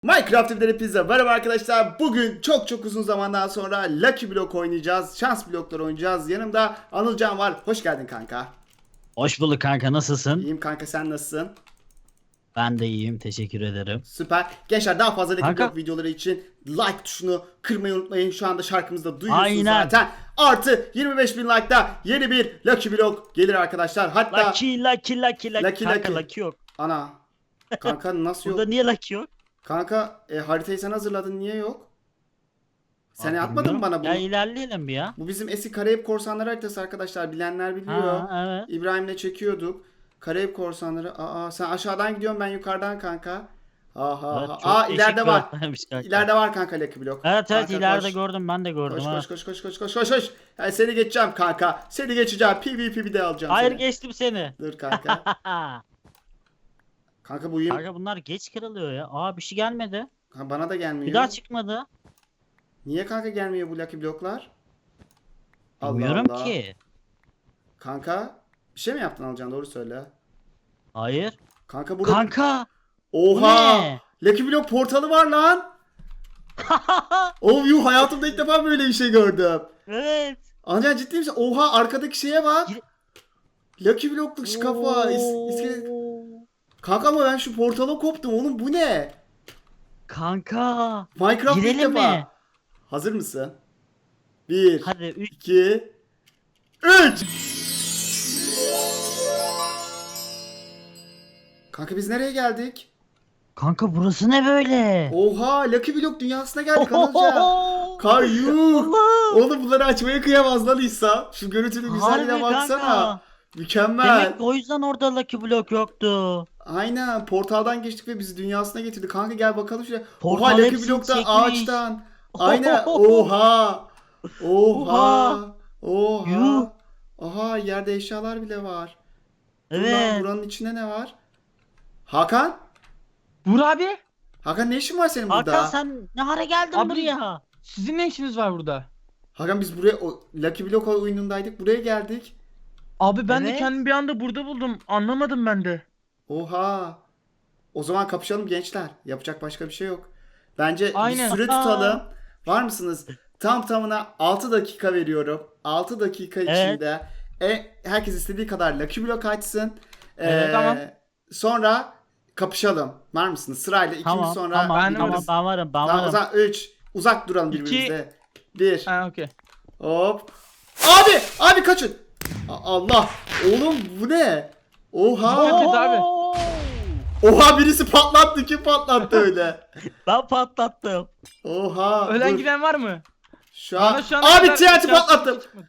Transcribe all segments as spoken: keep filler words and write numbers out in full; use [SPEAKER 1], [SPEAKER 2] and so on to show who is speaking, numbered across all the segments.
[SPEAKER 1] Minecraft evleri pizza. Merhaba arkadaşlar. Bugün çok çok uzun zamandan sonra Lucky Block oynayacağız. Şans blokları oynayacağız. Yanımda Anılcan var. Hoş geldin kanka.
[SPEAKER 2] Hoş bulduk kanka, nasılsın?
[SPEAKER 1] İyiyim kanka, sen nasılsın?
[SPEAKER 2] Ben de iyiyim, teşekkür ederim.
[SPEAKER 1] Süper. Gençler, daha fazla Lucky
[SPEAKER 2] Kanka.
[SPEAKER 1] Block videoları için like tuşunu kırmayı unutmayın. Şu anda şarkımızda duyuyorsunuz
[SPEAKER 2] Aynen.
[SPEAKER 1] zaten. Artı yirmi beş bin like'da yeni bir Lucky Block gelir arkadaşlar. Hatta
[SPEAKER 2] Lucky, lucky, lucky, lucky.
[SPEAKER 1] Lucky,
[SPEAKER 2] Kanka
[SPEAKER 1] lucky.
[SPEAKER 2] lucky yok.
[SPEAKER 1] ana kanka nasıl yok?
[SPEAKER 2] Burada niye lucky yok?
[SPEAKER 1] Kanka e, haritayı sen hazırladın, niye yok? Sen
[SPEAKER 2] Aa,
[SPEAKER 1] atmadın mı
[SPEAKER 2] bilmiyorum.
[SPEAKER 1] bana bunu?
[SPEAKER 2] Ya ilerleyelim bir ya.
[SPEAKER 1] Bu bizim eski Karayip Korsanları haritası arkadaşlar. Bilenler biliyor.
[SPEAKER 2] Ha, evet.
[SPEAKER 1] İbrahim'le çekiyorduk. Karayip Korsanları. Aa, sen aşağıdan gidiyorsun, ben yukarıdan kanka. Aha.
[SPEAKER 2] Evet,
[SPEAKER 1] aha.
[SPEAKER 2] çok
[SPEAKER 1] Aa,
[SPEAKER 2] değişik
[SPEAKER 1] ileride
[SPEAKER 2] bir
[SPEAKER 1] var.
[SPEAKER 2] haritaymış kanka.
[SPEAKER 1] İleride var kanka Lucky Block.
[SPEAKER 2] Evet evet,
[SPEAKER 1] Kanka,
[SPEAKER 2] ileride
[SPEAKER 1] koş.
[SPEAKER 2] gördüm, ben de gördüm
[SPEAKER 1] Koş
[SPEAKER 2] ha.
[SPEAKER 1] koş koş koş koş koş koş koş. Yani seni geçeceğim kanka. Seni geçeceğim. PvP bir de alacağım
[SPEAKER 2] Hayır,
[SPEAKER 1] seni.
[SPEAKER 2] geçtim seni.
[SPEAKER 1] Dur kanka. Kanka bu yeni...
[SPEAKER 2] Kanka bunlar geç kırılıyor ya. Aa, bir şey gelmedi.
[SPEAKER 1] Ha, bana da gelmiyor.
[SPEAKER 2] Bir daha çıkmadı.
[SPEAKER 1] Niye kanka gelmiyor bu Lucky Block'lar? Allah
[SPEAKER 2] Bilmiyorum
[SPEAKER 1] Allah.
[SPEAKER 2] ki.
[SPEAKER 1] Kanka bir şey mi yaptın Alcan, doğru söyle.
[SPEAKER 2] Hayır.
[SPEAKER 1] Kanka burada...
[SPEAKER 2] Kanka.
[SPEAKER 1] Oha!
[SPEAKER 2] Bu ne?
[SPEAKER 1] Lucky Block portalı var lan. Oh yuh, hayatımda ilk defa böyle bir şey gördüm.
[SPEAKER 2] Evet.
[SPEAKER 1] Anca ciddi misin? Oha, arkadaki şeye bak.
[SPEAKER 2] Gir-
[SPEAKER 1] Lucky Block'luk şu kafa. İs- iskelet. Kanka ama ben şu portala koptum oğlum, bu ne?
[SPEAKER 2] Kanka.
[SPEAKER 1] Minecraft ilk
[SPEAKER 2] Girelim
[SPEAKER 1] defa.
[SPEAKER 2] mi?
[SPEAKER 1] Hazır mısın? Bir,
[SPEAKER 2] Hadi üç.
[SPEAKER 1] iki, üç. Kanka biz nereye geldik?
[SPEAKER 2] Kanka burası ne böyle?
[SPEAKER 1] Oha, Lucky Block dünyasına geldik Anılca. Kar yuh. Oğlum bunları açmaya kıyamaz lan İsa. Şu görüntünün güzelliğine
[SPEAKER 2] Harbi
[SPEAKER 1] baksana.
[SPEAKER 2] kanka.
[SPEAKER 1] Mükemmel.
[SPEAKER 2] Demek ki o yüzden orada Lucky Block yoktu.
[SPEAKER 1] Aynen, portaldan geçtik ve bizi dünyasına getirdi. Kanka gel bakalım şuraya.
[SPEAKER 2] Portal
[SPEAKER 1] Oha, Lucky
[SPEAKER 2] hepsini
[SPEAKER 1] Block'ta
[SPEAKER 2] çekmiş.
[SPEAKER 1] ağaçtan. Aynen. Oha. Oha. Oha.
[SPEAKER 2] Yuh.
[SPEAKER 1] Oha, yerde eşyalar bile var. Dur lan,
[SPEAKER 2] Evet.
[SPEAKER 1] buranın içinde ne var? Hakan?
[SPEAKER 3] Vur abi.
[SPEAKER 1] Hakan, ne işin var senin burada?
[SPEAKER 2] Hakan sen ne hara geldin
[SPEAKER 3] Abi-
[SPEAKER 2] buraya?
[SPEAKER 3] Sizin ne işiniz var burada?
[SPEAKER 1] Hakan, biz buraya o, Lucky Block oyunundaydık. Buraya geldik.
[SPEAKER 3] Abi ben
[SPEAKER 2] Evet.
[SPEAKER 3] de kendimi bir anda burada buldum. Anlamadım ben de.
[SPEAKER 1] Oha. O zaman kapışalım gençler. Yapacak başka bir şey yok. Bence
[SPEAKER 3] Aynen.
[SPEAKER 1] bir süre tutalım. Var mısınız? Tam tamına altı dakika veriyorum. altı dakika
[SPEAKER 2] Evet.
[SPEAKER 1] içinde e, herkes istediği kadar Lucky Block açsın. Ee,
[SPEAKER 3] Evet, tamam.
[SPEAKER 1] Sonra kapışalım. Var mısınız? Sırayla ikimiz
[SPEAKER 2] Tamam
[SPEAKER 1] sonra.
[SPEAKER 2] tamam
[SPEAKER 3] Ben
[SPEAKER 2] tamam,
[SPEAKER 3] varım.
[SPEAKER 2] ben varım ben
[SPEAKER 1] Tamam, o
[SPEAKER 2] varım.
[SPEAKER 1] zaman üç. Uzak duralım
[SPEAKER 3] İki.
[SPEAKER 1] birbirimize. bir.
[SPEAKER 3] Ha okey.
[SPEAKER 1] Hop. Abi! Abi kaçın. A- Allah. Oğlum bu ne? Oha.
[SPEAKER 3] Evet abi.
[SPEAKER 2] Oo!
[SPEAKER 1] Oha, birisi patlattı. Kim patlattı öyle?
[SPEAKER 2] Ben patlattım.
[SPEAKER 1] Oha.
[SPEAKER 3] Ölen
[SPEAKER 1] dur.
[SPEAKER 3] giden var mı?
[SPEAKER 1] Şu an.
[SPEAKER 3] Bana şu ana
[SPEAKER 1] Abi
[SPEAKER 3] kadar
[SPEAKER 1] T N T
[SPEAKER 3] şans
[SPEAKER 1] patlattım.
[SPEAKER 3] çıkmadı.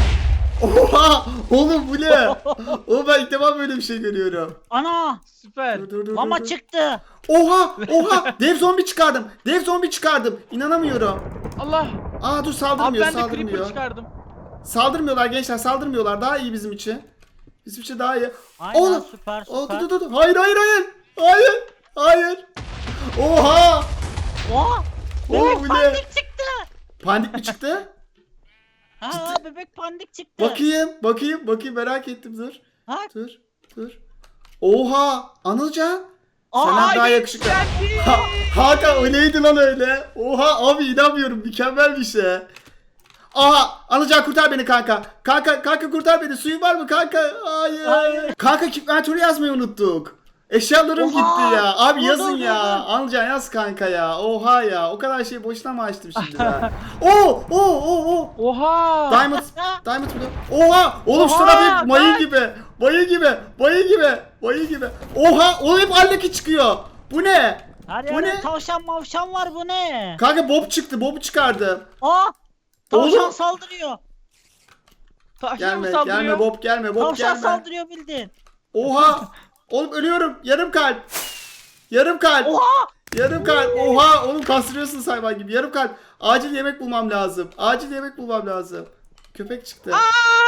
[SPEAKER 1] Oha. Oğlum bu ne? Oğlum ben ilk defa böyle bir şey görüyorum.
[SPEAKER 2] Ana!
[SPEAKER 3] Süper.
[SPEAKER 1] Dur dur dur.
[SPEAKER 2] Lama
[SPEAKER 1] dur, dur.
[SPEAKER 2] çıktı.
[SPEAKER 1] Oha. Oha. Dev zombi çıkardım. Dev zombi çıkardım. İnanamıyorum.
[SPEAKER 3] Allah.
[SPEAKER 1] Aa dur,
[SPEAKER 3] Abi
[SPEAKER 1] saldırmıyor.
[SPEAKER 3] ben de creeper
[SPEAKER 1] Saldırmıyor.
[SPEAKER 3] çıkardım.
[SPEAKER 1] Saldırmıyorlar gençler. Saldırmıyorlar. Daha iyi bizim için. Bizim için daha iyi.
[SPEAKER 2] Aynen,
[SPEAKER 1] Oğlum.
[SPEAKER 2] süper
[SPEAKER 1] Aa,
[SPEAKER 2] süper.
[SPEAKER 1] dur dur dur. Hayır hayır hayır. Hayır. Hayır. Oha.
[SPEAKER 2] Oha!
[SPEAKER 1] Oğlum
[SPEAKER 2] Bebek
[SPEAKER 1] bu ne?
[SPEAKER 2] pandik çıktı.
[SPEAKER 1] Pandik mi çıktı?
[SPEAKER 2] Ha, bebek pandik çıktı.
[SPEAKER 1] Bakayım. Bakayım. Bakayım, merak ettim. Dur.
[SPEAKER 2] Ha?
[SPEAKER 1] Dur. Dur. Oha. Anılcan.
[SPEAKER 2] Aa,
[SPEAKER 1] Senden daha
[SPEAKER 3] Ay,
[SPEAKER 1] yakışıklı.
[SPEAKER 3] geldi.
[SPEAKER 1] Ha, Hakan, o neydi lan öyle? Oha abi, inanmıyorum, mükemmel bir şey. Aha, Anılcan kurtar beni kanka. Kanka kanka kurtar beni. Suyun var mı kanka? Hayır.
[SPEAKER 2] Hayır.
[SPEAKER 1] Kanka inventörü yazmayı unuttuk. Eşyalarım
[SPEAKER 2] Oha.
[SPEAKER 1] gitti ya. Abi
[SPEAKER 2] Dur,
[SPEAKER 1] yazın
[SPEAKER 2] dur,
[SPEAKER 1] ya.
[SPEAKER 2] dur, dur.
[SPEAKER 1] Anılcan yaz kanka ya. Oha ya. O kadar şey boşuna mı açtım şimdi ben? Oo oo oo oo.
[SPEAKER 3] Oha.
[SPEAKER 1] Diamond. Diamond mı? Oha! Oğlum şu
[SPEAKER 3] Oha,
[SPEAKER 1] taraf hep mayı
[SPEAKER 3] bak.
[SPEAKER 1] gibi. Mayı gibi. Mayı gibi. Mayı gibi. Oha! O hep allaki çıkıyor. Bu ne?
[SPEAKER 2] Her
[SPEAKER 1] Bu
[SPEAKER 2] yerde
[SPEAKER 1] ne?
[SPEAKER 2] tavşan mavşan var, bu ne?
[SPEAKER 1] Kanka Bob çıktı. Bob'u çıkardım.
[SPEAKER 2] Aa! Tavşan
[SPEAKER 1] Oğlum.
[SPEAKER 2] saldırıyor.
[SPEAKER 3] Tavşan mı
[SPEAKER 1] Gelme,
[SPEAKER 3] saldırıyor?
[SPEAKER 1] gelme Bob, gelme Bob,
[SPEAKER 2] Tavşan
[SPEAKER 1] gelme.
[SPEAKER 2] saldırıyor bildin.
[SPEAKER 1] Oha! Oğlum ölüyorum. Yarım kalp. Yarım kalp.
[SPEAKER 2] Oha!
[SPEAKER 1] Yarım kalp. Oha! Oğlum kastırıyorsun hayvan gibi. Yarım kalp. Acil yemek bulmam lazım. Acil yemek bulmam lazım. Köpek çıktı.
[SPEAKER 2] Aa!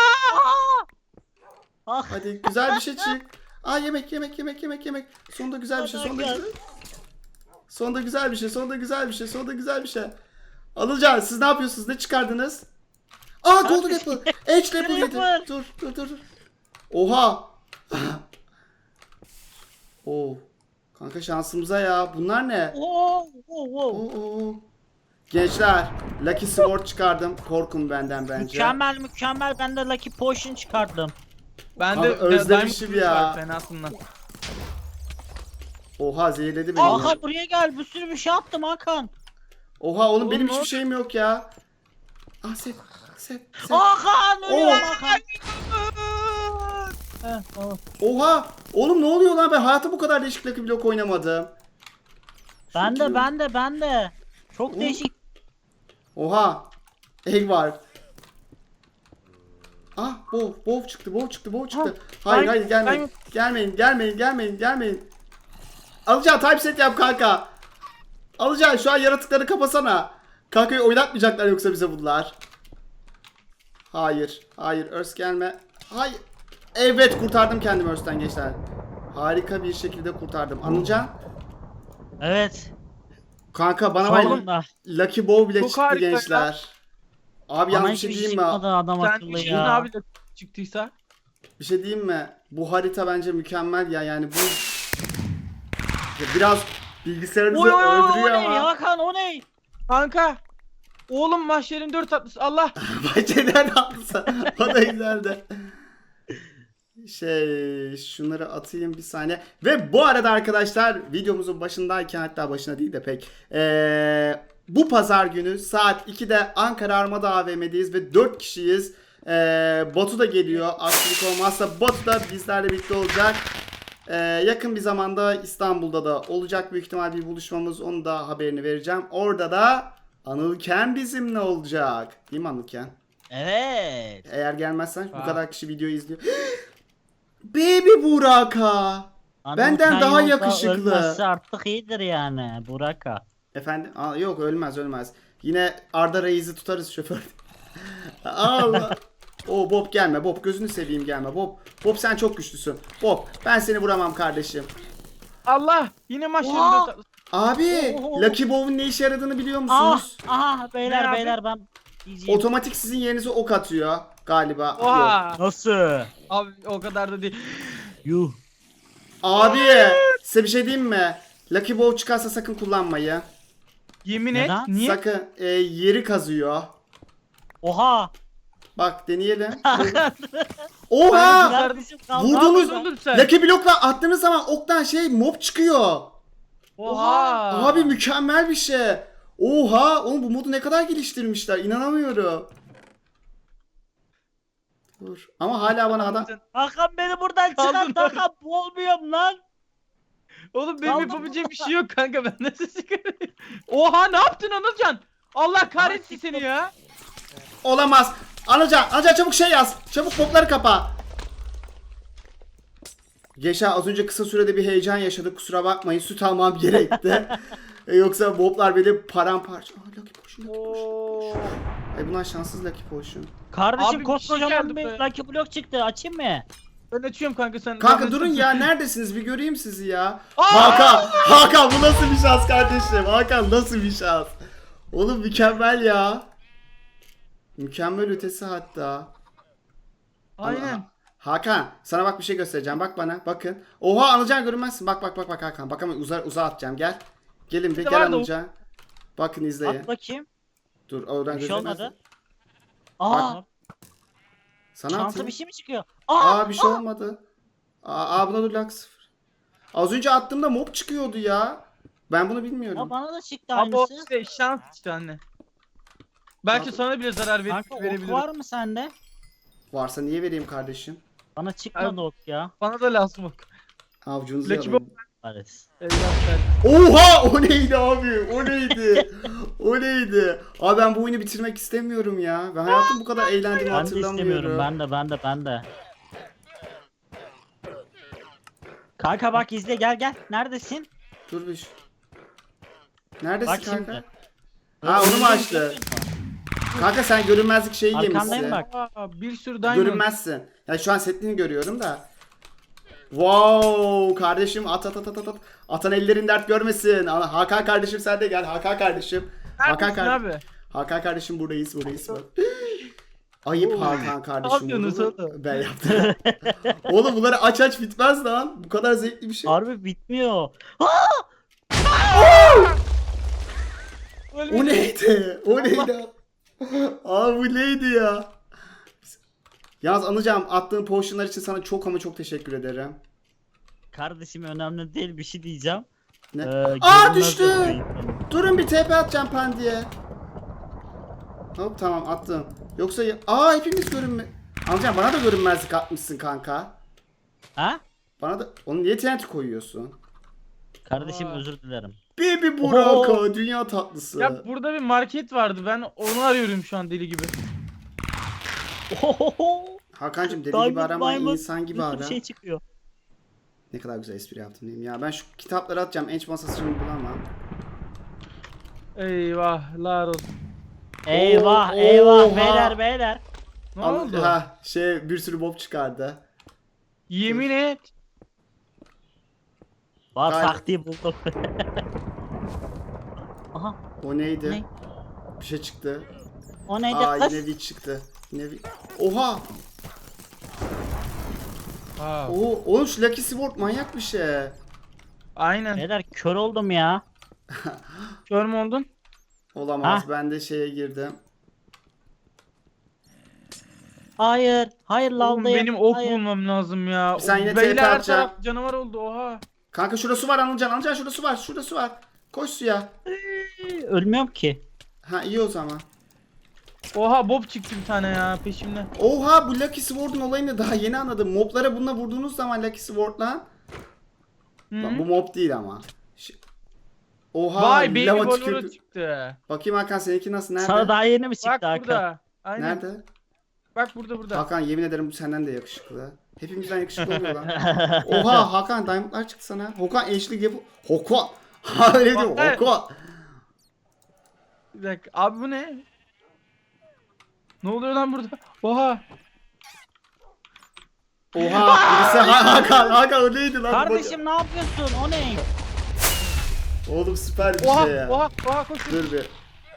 [SPEAKER 2] Ah,
[SPEAKER 1] Hadi güzel bir şey çık. Aa, yemek yemek yemek yemek yemek. Sonunda güzel bir şey. Sonunda güzel. Sonunda güzel bir şey. Sonunda güzel bir şey. Sonunda güzel bir şey. Anılcan, siz ne yapıyorsunuz? Ne çıkardınız? Aa, golden apple. Edge apple yedi.
[SPEAKER 2] Creeper.
[SPEAKER 1] Dur dur dur. dur. Oha. Oo. Kanka şansımıza ya. Bunlar ne?
[SPEAKER 2] Oo, oo, oo.
[SPEAKER 1] Oo, oo. Gençler, Lucky Sword çıkardım. Korkun benden bence.
[SPEAKER 2] Mükemmel mükemmel, ben de Lucky Potion çıkardım.
[SPEAKER 3] Ben
[SPEAKER 1] Abi
[SPEAKER 3] de
[SPEAKER 1] özlemişim
[SPEAKER 3] Diamond
[SPEAKER 1] ya.
[SPEAKER 3] var fenasından.
[SPEAKER 1] Oha zehirledi beni.
[SPEAKER 2] Hakan buraya gel, bir sürü bir şey attım Hakan.
[SPEAKER 1] Oha oğlum
[SPEAKER 3] Oğlum,
[SPEAKER 1] benim
[SPEAKER 3] ne
[SPEAKER 1] hiçbir
[SPEAKER 3] oldu?
[SPEAKER 1] şeyim yok ya. Ah set, set, set.
[SPEAKER 2] Hakan ölüyorum
[SPEAKER 1] Oo.
[SPEAKER 2] Hakan. Heh, tamam.
[SPEAKER 1] Oha! Oğlum ne oluyor lan? Ben hayatım bu kadar değişik Lucky Block oynamadım.
[SPEAKER 2] Ben
[SPEAKER 1] Şu
[SPEAKER 2] de
[SPEAKER 1] kim?
[SPEAKER 2] ben de ben de. Çok
[SPEAKER 1] Oo.
[SPEAKER 2] değişik.
[SPEAKER 1] Oha! Egg var. Ah, bov, bov çıktı, bov çıktı, bov çıktı. hayır,
[SPEAKER 3] ben-
[SPEAKER 1] hayır, gelmeyin.
[SPEAKER 3] ben-
[SPEAKER 1] Gelmeyin, gelmeyin, gelmeyin, gelmeyin. Alacağım, typeset yap kanka. Alacağım, şu an yaratıkları kapasana. Kankayı oynatmayacaklar yoksa bize bunlar. Hayır, hayır, Örs gelme. Hayır. Evet, kurtardım kendimi Örs'ten gençler. Harika bir şekilde kurtardım. Anılcan,
[SPEAKER 2] Evet.
[SPEAKER 1] kanka bana var ya,
[SPEAKER 2] Sonunda.
[SPEAKER 1] Lucky Bow bile
[SPEAKER 3] Çok
[SPEAKER 1] çıktı
[SPEAKER 3] harika ya.
[SPEAKER 1] gençler. Abi
[SPEAKER 2] Bana
[SPEAKER 1] yalnız bir şey
[SPEAKER 2] hiçbir
[SPEAKER 1] diyeyim
[SPEAKER 2] şey
[SPEAKER 1] mi?
[SPEAKER 2] çıkmadı adam
[SPEAKER 3] Sen
[SPEAKER 2] akıllı
[SPEAKER 3] işte
[SPEAKER 2] ya.
[SPEAKER 3] abi de çıktıysa.
[SPEAKER 1] Bir şey diyeyim mi? Bu harita bence mükemmel ya, yani bu Ya biraz bilgisayarınızı
[SPEAKER 3] Oy, oy, oy,
[SPEAKER 2] O
[SPEAKER 1] öldürüyor
[SPEAKER 2] ne
[SPEAKER 1] ama.
[SPEAKER 2] Hakan, o ne?
[SPEAKER 3] Kanka. Oğlum mahşerin dört tatlısı. Allah.
[SPEAKER 1] Bahçeden atsa. O da güzeldi. Şey, şunları atayım bir saniye. Ve bu arada arkadaşlar, videomuzun başındayken, hatta başına değil de pek, ee, bu pazar günü saat ikide Ankara Armada A V M'deyiz ve dört kişiyiz. Ee, Batu da geliyor. Aksilik olmazsa Batu da bizlerle birlikte olacak. Ee, yakın bir zamanda İstanbul'da da olacak büyük ihtimal bir buluşmamız. Onu da haberini vereceğim. Orada da Anılken bizimle olacak. Değil mi Anılken?
[SPEAKER 2] Evet.
[SPEAKER 1] Eğer gelmezsen bu
[SPEAKER 3] Aa.
[SPEAKER 1] kadar kişi video izliyor. Baby Buraka.
[SPEAKER 2] Adam
[SPEAKER 1] Benden
[SPEAKER 2] sen
[SPEAKER 1] daha
[SPEAKER 2] yolda
[SPEAKER 1] yakışıklı.
[SPEAKER 2] Ölmezse artık iyidir yani Buraka.
[SPEAKER 1] Efendim? Aa, yok ölmez ölmez. Yine Arda Reis'i tutarız şoför. Allah. O Bob gelme. Bob gözünü seveyim gelme. Bob. Bob sen çok güçlüsün. Bob ben seni vuramam kardeşim.
[SPEAKER 3] Allah. Yine mahşerin
[SPEAKER 2] Oha.
[SPEAKER 3] dört tatlısı.
[SPEAKER 1] Abi
[SPEAKER 2] Oho.
[SPEAKER 1] Lucky Bow'un ne işe yaradığını biliyor
[SPEAKER 2] Ah,
[SPEAKER 1] musunuz?
[SPEAKER 2] aha beyler
[SPEAKER 3] Ne abi?
[SPEAKER 2] beyler ben diyeceğim.
[SPEAKER 1] Otomatik sizin yerinize ok atıyor galiba. Yok.
[SPEAKER 3] Oha.
[SPEAKER 2] Nasıl?
[SPEAKER 3] Abi o kadar da değil.
[SPEAKER 2] Yuh.
[SPEAKER 1] Abi size bir şey diyeyim mi? Lucky Bow çıkarsa sakın kullanmayı.
[SPEAKER 3] Yemin
[SPEAKER 2] Neden?
[SPEAKER 3] et. Niye?
[SPEAKER 1] Sakın e, yeri kazıyor.
[SPEAKER 2] Oha.
[SPEAKER 1] Bak deneyelim. Oha!
[SPEAKER 2] Kardeşim kaldı.
[SPEAKER 1] Vurdunuz.
[SPEAKER 3] Ne yapıyorsun sen?
[SPEAKER 1] Lucky Block'la attığınız zaman oktan şey mob çıkıyor.
[SPEAKER 3] Oha.
[SPEAKER 1] Abi mükemmel bir şey. Oha! Oğlum bu modu ne kadar geliştirmişler. İnanamıyorum. Dur. Ama hala bana adam...
[SPEAKER 2] Hakan beni buradan
[SPEAKER 3] Kaldın
[SPEAKER 2] çıkart Hakan, boğulmuyorum lan.
[SPEAKER 3] Oğlum benim
[SPEAKER 2] Kaldım.
[SPEAKER 3] yapabileceğim bir şey yok kanka, ben nasıl çıkarayım? Oha, ne yaptın Anılcan? Allah kahretsin seni ya.
[SPEAKER 1] Olamaz. Anılcan, Anılcan çabuk şey yaz. Çabuk mobları kapa. Geçen az önce kısa sürede bir heyecan yaşadık. Kusura bakmayın. Süt almam gerekti. E, Yoksa moblar beni paramparça. Aa, Lucky Potion, Lucky Potion.
[SPEAKER 3] Oo.
[SPEAKER 1] Ay bunlar şanssız Lucky Potion.
[SPEAKER 2] Kardeşim
[SPEAKER 3] Abi bir şey
[SPEAKER 2] koskocaman
[SPEAKER 3] geldi
[SPEAKER 2] bir
[SPEAKER 3] be.
[SPEAKER 2] Lucky Block çıktı, açayım mı?
[SPEAKER 3] Ben açıyorum kanka, sen.
[SPEAKER 1] Kanka
[SPEAKER 3] Ben-
[SPEAKER 1] durun ya, neredesiniz bir göreyim sizi ya.
[SPEAKER 3] Aa!
[SPEAKER 1] Hakan, Hakan bu nasıl bir şans kardeşim? Hakan nasıl bir şans? Oğlum mükemmel ya. Mükemmel ötesi hatta.
[SPEAKER 3] Aynen.
[SPEAKER 1] Ama- Hakan sana bak bir şey göstereceğim. Bak bana bakın. Oha Anılcan görünmezsin. Bak bak bak bak Hakan. Bak ama uza, uzağa atacağım gel. Gelin bir
[SPEAKER 3] Bir de
[SPEAKER 1] gel
[SPEAKER 3] vardı o-
[SPEAKER 1] Anılcan. Bakın izleyin.
[SPEAKER 2] At bakayım.
[SPEAKER 1] Dur oradan
[SPEAKER 2] Bir şey
[SPEAKER 1] gözükmez.
[SPEAKER 2] olmadı. Aa,
[SPEAKER 1] Sana
[SPEAKER 2] şansa
[SPEAKER 1] atayım.
[SPEAKER 2] bir şey mi çıkıyor? Aa,
[SPEAKER 1] Aa bir şey olmadı. Aa, aa buna dur lak sıfır. Az önce attığımda mob çıkıyordu ya. Ben bunu bilmiyorum.
[SPEAKER 2] aa, bana da çıktı
[SPEAKER 3] Abi o
[SPEAKER 2] aynısı.
[SPEAKER 3] işte şans işte anne. Belki
[SPEAKER 1] Abi-
[SPEAKER 3] sana bile zarar ver
[SPEAKER 2] Kanka ok
[SPEAKER 3] verebilirim.
[SPEAKER 2] var mı sende?
[SPEAKER 1] Varsa niye vereyim kardeşim?
[SPEAKER 2] Bana çıkmadı
[SPEAKER 3] Abi-
[SPEAKER 2] ok ya.
[SPEAKER 3] Bana da lazım ok.
[SPEAKER 1] Avcunuzu
[SPEAKER 3] Lucky
[SPEAKER 1] yalayın.
[SPEAKER 2] Paris.
[SPEAKER 3] Evlatlar.
[SPEAKER 1] Oha o neydi abi? O neydi? O neydi? Abi ben bu oyunu bitirmek istemiyorum ya. Ben hayatım bu kadar eğlendiğimi
[SPEAKER 2] Ben de
[SPEAKER 1] hatırlamıyorum.
[SPEAKER 2] istemiyorum, ben de ben de ben de. Kanka bak izle, gel gel. Neredesin?
[SPEAKER 1] Dur bir. şu- Neredesin
[SPEAKER 2] Bak
[SPEAKER 1] kanka?
[SPEAKER 2] şimdi.
[SPEAKER 1] Ha onu mu açtı? Kanka sen görünmezlik şeyi
[SPEAKER 2] Arkandayım
[SPEAKER 1] yemişsin.
[SPEAKER 2] bak.
[SPEAKER 3] Aa, bir sürü diamond.
[SPEAKER 1] Görünmezsin. Ya şu an setini görüyorum da. Wow kardeşim at at at at at. Atan ellerin dert görmesin. Ana, Hakan kardeşim sen de gel. Hakan kardeşim. Hakan
[SPEAKER 3] Neredesin
[SPEAKER 1] kardeşim.
[SPEAKER 3] abi?
[SPEAKER 1] Hakan kardeşim buradayız buradayız bak. Ayıp
[SPEAKER 3] Oo.
[SPEAKER 1] Hakan kardeşim.
[SPEAKER 3] Ne yapıyorsunuz
[SPEAKER 1] bunu
[SPEAKER 3] oğlum?
[SPEAKER 1] Ben yaptım. Oğlum bunları aç aç bitmez lan. Bu kadar zevkli bir şey.
[SPEAKER 2] Harbi bitmiyor.
[SPEAKER 1] O neydi? O neydi? Abi bu neydi ya? Yalnız Anılcan attığın potionlar için sana çok ama çok teşekkür ederim.
[SPEAKER 2] Kardeşim önemli değil bir şey diyeceğim.
[SPEAKER 1] Ne?
[SPEAKER 2] Ee,
[SPEAKER 1] Aa
[SPEAKER 2] görünmez
[SPEAKER 1] düştü.
[SPEAKER 2] yapmayın.
[SPEAKER 1] Durun bir T P atacağım Pandi'ye. Hop tamam attım. Yoksa ya- aa hepimiz görünme. Anılcan bana da görünmezlik atmışsın kanka.
[SPEAKER 2] Ha?
[SPEAKER 1] Bana da onu niye T N T koyuyorsun?
[SPEAKER 2] Kardeşim
[SPEAKER 3] Aa.
[SPEAKER 2] özür dilerim.
[SPEAKER 1] Baby Buraka
[SPEAKER 2] Oho.
[SPEAKER 1] dünya tatlısı.
[SPEAKER 3] Ya burada bir market vardı. Ben onu arıyorum şu an deli gibi.
[SPEAKER 2] Ohoho.
[SPEAKER 1] Hakan'cığım deli
[SPEAKER 2] Diamond,
[SPEAKER 1] gibi arama
[SPEAKER 2] diamond.
[SPEAKER 1] insan gibi
[SPEAKER 2] Bir sürü
[SPEAKER 1] ara.
[SPEAKER 2] şey çıkıyor.
[SPEAKER 1] Ne kadar güzel espri yaptım diyeyim ya. Ben şu kitapları atacağım. Enç masası şimdi bulamam.
[SPEAKER 3] Eyvahlar olsun.
[SPEAKER 2] Eyvah
[SPEAKER 1] Oo,
[SPEAKER 2] eyvah
[SPEAKER 1] oha.
[SPEAKER 2] beyler beyler.
[SPEAKER 3] Ne
[SPEAKER 1] Anıl-
[SPEAKER 3] oldu?
[SPEAKER 1] Ha şey bir sürü mob çıkardı.
[SPEAKER 3] Yemin et.
[SPEAKER 2] Bak
[SPEAKER 1] Galiba-
[SPEAKER 2] taktiği buldum. Aha
[SPEAKER 1] O neydi?
[SPEAKER 2] Ne?
[SPEAKER 1] Bir şey çıktı.
[SPEAKER 2] o neydi
[SPEAKER 1] Aa
[SPEAKER 2] kız?
[SPEAKER 1] yine bir çıktı. Yine bir... Oha!
[SPEAKER 3] Aa,
[SPEAKER 1] Oo, oğlum şu Lucky Sword manyak bir şey.
[SPEAKER 3] aynen.
[SPEAKER 2] Beyler kör oldum ya.
[SPEAKER 3] Kör mü oldun?
[SPEAKER 1] Olamaz.
[SPEAKER 2] Ha?
[SPEAKER 1] Ben de şeye girdim.
[SPEAKER 2] Hayır. Hayır
[SPEAKER 3] Oğlum
[SPEAKER 2] lavdayım.
[SPEAKER 3] benim ok
[SPEAKER 2] Hayır.
[SPEAKER 3] bulmam lazım ya.
[SPEAKER 1] Sen yine
[SPEAKER 3] Beyler
[SPEAKER 1] T P
[SPEAKER 3] her
[SPEAKER 1] atacağım.
[SPEAKER 3] taraf canavar oldu oha.
[SPEAKER 1] Kanka şurada su var Anılcan. Anılcan şurada su var. Şurada su var. Koş suya.
[SPEAKER 2] Ölmüyorum ki.
[SPEAKER 1] Ha iyi o zaman.
[SPEAKER 3] Oha Bob çıktı bir tane ya peşimde.
[SPEAKER 1] Oha bu Lucky Sword'un olayını daha yeni anladım. Moblara bununla vurduğunuz zaman Lucky Sword'la.
[SPEAKER 3] Hı
[SPEAKER 1] Lan bu
[SPEAKER 3] -hı.
[SPEAKER 1] mob değil ama. Ş- Oha
[SPEAKER 3] Vay baby
[SPEAKER 1] lava
[SPEAKER 3] Bolero
[SPEAKER 1] tükürdü.
[SPEAKER 3] çıktı.
[SPEAKER 1] Bakayım Hakan seninki nasıl? Nerede?
[SPEAKER 2] Sana daha yeni mi çıktı
[SPEAKER 3] Bak
[SPEAKER 2] Hakan?
[SPEAKER 3] burada. Aynen.
[SPEAKER 1] Nerede?
[SPEAKER 3] Bak burada burada.
[SPEAKER 1] Hakan yemin ederim bu senden de yakışıklı. Hepimizden yakışıklı oluyor lan. Oha Hakan diamondlar çıktı sana. Hakan eşlik yapı. Hakan. Ha öyle diyor.
[SPEAKER 3] Hakan.
[SPEAKER 1] Hakan.
[SPEAKER 3] Bir dakika. Abi bu ne? Ne oluyor lan burada? Oha.
[SPEAKER 1] Oha. Birisi Ha- Hakan. Hakan o neydi lan?
[SPEAKER 2] Kardeşim ne yapıyorsun? O ne?
[SPEAKER 1] Oğlum süper bir
[SPEAKER 3] Oha.
[SPEAKER 1] şey ya.
[SPEAKER 3] Oha. Oha koş.
[SPEAKER 1] Dur bir.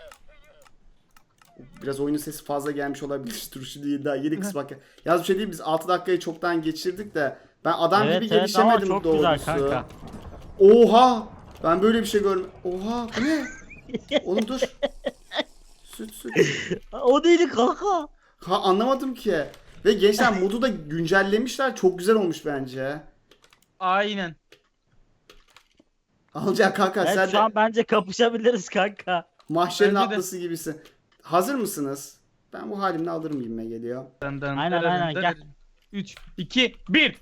[SPEAKER 1] Biraz oyunun sesi fazla gelmiş olabilir. Dur şu değil daha yeni kısmı bak. Yalnız bir şey değil biz altı dakikayı çoktan geçirdik de ben adam
[SPEAKER 2] Evet,
[SPEAKER 1] gibi
[SPEAKER 2] evet ama
[SPEAKER 1] gelişemedim
[SPEAKER 2] çok
[SPEAKER 1] doğrusu.
[SPEAKER 2] güzel kanka.
[SPEAKER 1] Oha! Ben böyle bir şey görmedim. Oha bu ne? Oğlum dur. Süt süt.
[SPEAKER 2] O neydi kanka?
[SPEAKER 1] Ha anlamadım ki. Ve gençler modu da güncellemişler. Çok güzel olmuş bence.
[SPEAKER 3] Aynen.
[SPEAKER 1] Alacak kanka
[SPEAKER 2] Evet,
[SPEAKER 1] sen
[SPEAKER 2] şu
[SPEAKER 1] de
[SPEAKER 2] an bence kapışabiliriz kanka.
[SPEAKER 1] mahşerin
[SPEAKER 3] Bence de.
[SPEAKER 1] atlısı gibisin. Hazır mısınız? Ben bu halimle alırım gibime geliyor.
[SPEAKER 3] Dın dın
[SPEAKER 2] Aynen,
[SPEAKER 3] dırırın
[SPEAKER 2] aynen, gel.
[SPEAKER 3] dırırın. üç, iki, bir.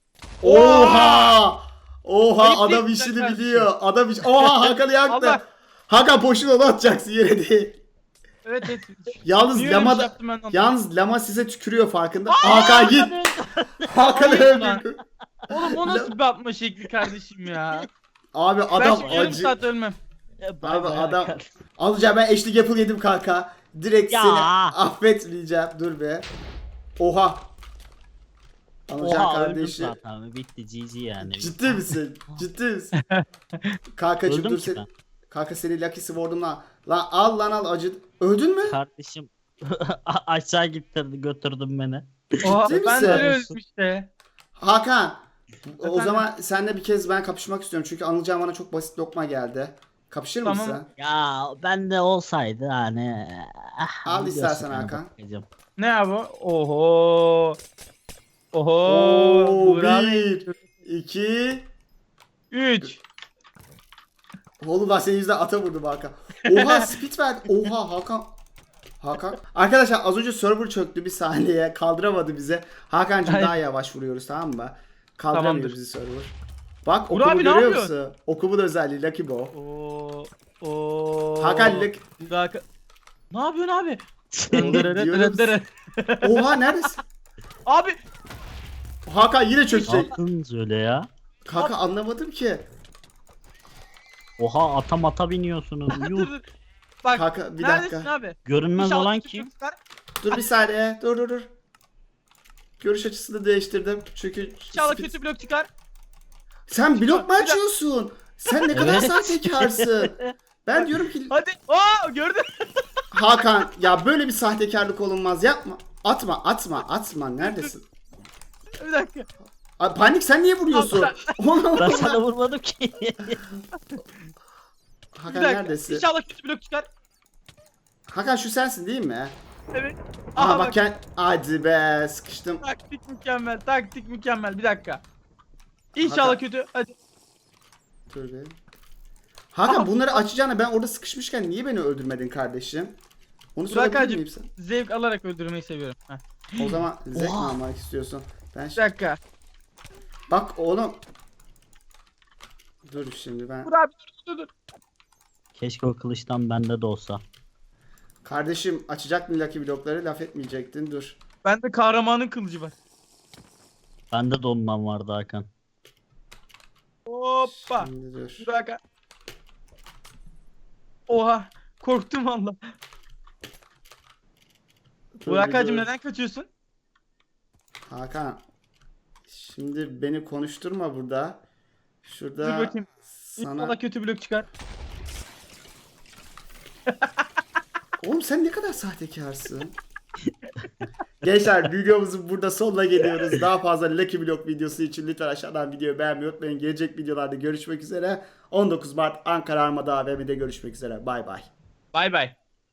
[SPEAKER 1] Oha! Oha
[SPEAKER 3] Ayıp
[SPEAKER 1] adam
[SPEAKER 3] değil,
[SPEAKER 1] işini
[SPEAKER 3] güzel
[SPEAKER 1] biliyor. Adam iş. Oha Hakan'ı yaktı.
[SPEAKER 3] Allah.
[SPEAKER 1] Hakan boşuna onu atacaksın yere değil.
[SPEAKER 3] Evet evet.
[SPEAKER 1] Yalnız
[SPEAKER 3] Niye öyle bir
[SPEAKER 1] lama
[SPEAKER 3] şey
[SPEAKER 1] da,
[SPEAKER 3] yaptım ben anlamadım.
[SPEAKER 1] yalnız lama size tükürüyor farkında. Hakan git. Hakan'ı
[SPEAKER 3] Ayıp lan.
[SPEAKER 1] öldürdü.
[SPEAKER 3] Oğlum o nasıl bir atma şekli kardeşim ya.
[SPEAKER 1] Abi
[SPEAKER 3] Ben
[SPEAKER 1] adam
[SPEAKER 3] şimdi yarım
[SPEAKER 1] acı.
[SPEAKER 3] saat ölmem.
[SPEAKER 1] Abi adam alacağım ben eşlik yapıl yedim kanka. Direkt
[SPEAKER 2] Ya.
[SPEAKER 1] seni affetmeyeceğim. Dur be. Oha. Alacağım
[SPEAKER 2] Oha öldüm
[SPEAKER 1] kardeşi.
[SPEAKER 2] zaten. Bitti G G yani.
[SPEAKER 1] Ciddi misin? Ciddi misin? Kankacım
[SPEAKER 2] Öldüm
[SPEAKER 1] dur
[SPEAKER 2] ki
[SPEAKER 1] sen.
[SPEAKER 2] ben.
[SPEAKER 1] Kanka seni Lucky Sword'umla. Lan al lan al acı. Öldün mü?
[SPEAKER 2] Kardeşim aşağı gittirdi götürdün beni.
[SPEAKER 3] Oha,
[SPEAKER 1] Ciddi
[SPEAKER 3] ben de
[SPEAKER 1] misin?
[SPEAKER 3] öyle öldüm işte.
[SPEAKER 1] Hakan. O
[SPEAKER 3] Efendim?
[SPEAKER 1] zaman seninle bir kez ben kapışmak istiyorum. Çünkü Anılcan bana çok basit lokma geldi. Kapışır
[SPEAKER 3] Tamam.
[SPEAKER 1] mısın?
[SPEAKER 2] Ya ben de olsaydı hani. ah,
[SPEAKER 1] Al
[SPEAKER 2] biliyorsun
[SPEAKER 1] istersen
[SPEAKER 2] yani
[SPEAKER 1] Hakan.
[SPEAKER 2] bakacağım.
[SPEAKER 3] Ne ya bu? Oho. Oho.
[SPEAKER 1] Oo,
[SPEAKER 3] Burak.
[SPEAKER 1] bir, iki.
[SPEAKER 3] Üç.
[SPEAKER 1] Oğlum ben senin yüzünden ata vurdum Hakan. Oha speed verdi. Oha Hakan. Hakan. Arkadaşlar az önce server çöktü bir saniye. Kaldıramadı bize. Hakan'cığım
[SPEAKER 3] Hayır.
[SPEAKER 1] daha yavaş vuruyoruz tamam mı? Kaldıramıyor
[SPEAKER 3] Tamamdır.
[SPEAKER 1] bizi server. Bak
[SPEAKER 3] Burak
[SPEAKER 1] okumu
[SPEAKER 3] abi ne
[SPEAKER 1] görüyor
[SPEAKER 3] yapıyorsun?
[SPEAKER 1] musun? Okumun özelliği Lucky Bow.
[SPEAKER 3] Oo. Oo.
[SPEAKER 1] Hakan Lucky.
[SPEAKER 3] Hakan. Ne yapıyorsun abi?
[SPEAKER 1] Diyorum. Oha neredesin?
[SPEAKER 3] Abi.
[SPEAKER 1] Hakan yine çökecek.
[SPEAKER 2] Yaptınız öyle ya.
[SPEAKER 1] Kanka anlamadım ki.
[SPEAKER 2] Oha ata mata biniyorsunuz.
[SPEAKER 3] Dur,
[SPEAKER 2] Yuh.
[SPEAKER 3] dur. Bak.
[SPEAKER 1] Kanka bir
[SPEAKER 3] Neredesin
[SPEAKER 1] dakika.
[SPEAKER 3] abi?
[SPEAKER 2] Görünmez
[SPEAKER 3] İnşallah
[SPEAKER 2] olan
[SPEAKER 3] küçük
[SPEAKER 2] kim?
[SPEAKER 3] çocuklar-
[SPEAKER 1] Dur bir saniye. Dur dur dur. Görüş açısını değiştirdim. Çünkü
[SPEAKER 3] İnşallah
[SPEAKER 1] speed-
[SPEAKER 3] kötü blok çıkar.
[SPEAKER 1] Sen blok mu
[SPEAKER 3] Bir dakika.
[SPEAKER 1] açıyorsun? Sen ne kadar
[SPEAKER 2] Evet.
[SPEAKER 1] sahtekarsın. Ben diyorum ki
[SPEAKER 3] Hadi. Aa gördün.
[SPEAKER 1] Hakan ya böyle bir sahtekarlık olunmaz yapma. Atma atma atma. Neredesin?
[SPEAKER 3] Bir dakika.
[SPEAKER 1] Ay, Panik sen niye vuruyorsun? Oğlum.
[SPEAKER 2] Ben sana vurmadım ki.
[SPEAKER 3] Bir
[SPEAKER 1] Hakan
[SPEAKER 3] dakika.
[SPEAKER 1] neredesin?
[SPEAKER 3] İnşallah kötü blok çıkar.
[SPEAKER 1] Hakan şu sensin değil mi?
[SPEAKER 3] Evet.
[SPEAKER 1] Aha,
[SPEAKER 3] Aha
[SPEAKER 1] bak
[SPEAKER 3] bak.
[SPEAKER 1] kend... Hadi be sıkıştım.
[SPEAKER 3] Taktik mükemmel. Taktik mükemmel. Bir dakika. İnşallah
[SPEAKER 1] Hakan.
[SPEAKER 3] kötü. Hadi.
[SPEAKER 1] Dur be. Hakan
[SPEAKER 3] Aha.
[SPEAKER 1] bunları açacağına ben orada sıkışmışken niye beni öldürmedin kardeşim? Onu sorabilir
[SPEAKER 3] Burak'cığım
[SPEAKER 1] miyim sen?
[SPEAKER 3] zevk alarak öldürmeyi seviyorum. Heh.
[SPEAKER 1] O zaman zevk mi
[SPEAKER 2] Oha.
[SPEAKER 1] almak istiyorsun? Ben
[SPEAKER 3] Bir
[SPEAKER 1] şi-
[SPEAKER 3] dakika.
[SPEAKER 1] Bak oğlum. Dur şimdi ben.
[SPEAKER 3] Dur abi dur dur dur.
[SPEAKER 2] Keşke o kılıçtan bende de olsa.
[SPEAKER 1] Kardeşim açacak mı Lucky blokları laf etmeyecektin dur.
[SPEAKER 3] Bende kahramanın kılıcı var.
[SPEAKER 2] Bende de ondan vardı Hakan.
[SPEAKER 3] Hoppa.
[SPEAKER 1] Şimdi dur.
[SPEAKER 3] Burak'a. Oha. Korktum valla.
[SPEAKER 1] Dur,
[SPEAKER 3] Burak'cığım
[SPEAKER 1] dur.
[SPEAKER 3] neden kaçıyorsun?
[SPEAKER 1] Hakan. Şimdi beni konuşturma burada. Şurada
[SPEAKER 3] Dur bakayım.
[SPEAKER 1] sana...
[SPEAKER 3] İnşallah kötü blok çıkar.
[SPEAKER 1] Oğlum sen ne kadar sahtekarsın. Gençler videomuzun burada sonuna geliyoruz. Daha fazla Lucky Block videosu için lütfen aşağıdan videoyu beğenmeyi unutmayın. Gelecek videolarda görüşmek üzere. on dokuz Mart Ankara Armada A V M'de görüşmek üzere. Bay bay.
[SPEAKER 3] Bay bay.